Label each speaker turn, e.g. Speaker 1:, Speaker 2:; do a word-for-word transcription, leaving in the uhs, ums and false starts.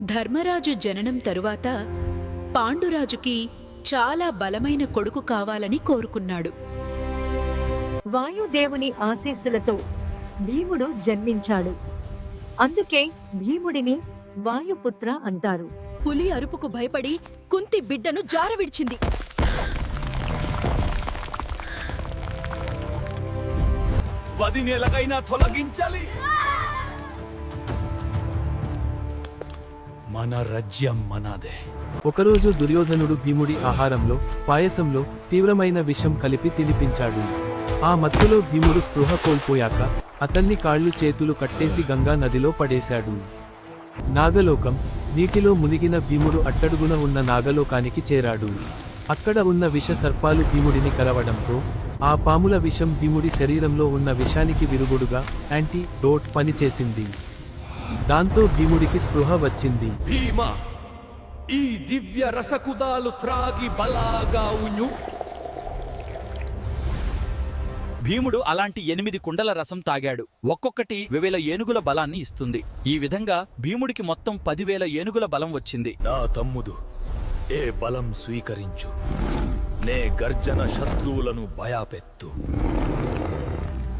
Speaker 1: ధర్మరాజు జననం తరువాత పాండురాజుకి చాలా బలమైన కొడుకు కావాలని కోరుకున్నాడు.
Speaker 2: వాయుదేవుని ఆశీస్సులతో భీముడు జన్మించాడు. అందుకే భీముడిని వాయుపుత్ర అంటారు.
Speaker 3: పులి అరుపుకు భయపడి కుంతి బిడ్డను జారవిడిచింది.
Speaker 4: వదినేలకైనా తొలగించాలి. మన రాజ్యం మనదే.
Speaker 5: ఒకరోజు దుర్యోధనుడు భీముడి ఆహారంలో పాయసంలో తీవ్రమైన విషం కలిపి తినిపించాడు. ఆ మత్తులో భీముడు స్పృహ కోల్పోయాక అతన్ని కాళ్ళు చేతులు కట్టేసి గంగా నదిలో పడేశాడు. నాగలోకం నీటిలో మునిగిన భీముడు అట్టడుగున ఉన్న నాగలోకానికి చేరాడు. అక్కడ ఉన్న విష సర్పాలు భీముడిని కరవడంతో ఆ పాముల విషం భీముడి శరీరంలో ఉన్న విషానికి విరుగుడుగా యాంటీ డోట్ పనిచేసింది. దాంతో భీముడికి స్పృహ వచ్చింది.
Speaker 4: భీమా, ఈ దివ్య రసకుదాలు త్రాగి బలాగా ఉణ్యు.
Speaker 6: భీముడు అలాంటి ఎనిమిది కుండల రసం తాగాడు. ఒక్కొక్కటి వేవేల ఏనుగుల బలాన్ని ఇస్తుంది. ఈ విధంగా భీముడికి మొత్తం పదివేల ఏనుగుల బలం వచ్చింది.
Speaker 4: నా తమ్ముడు, ఏ బలం స్వీకరించు. నే గర్జన శత్రువులను భయాపెత్తు.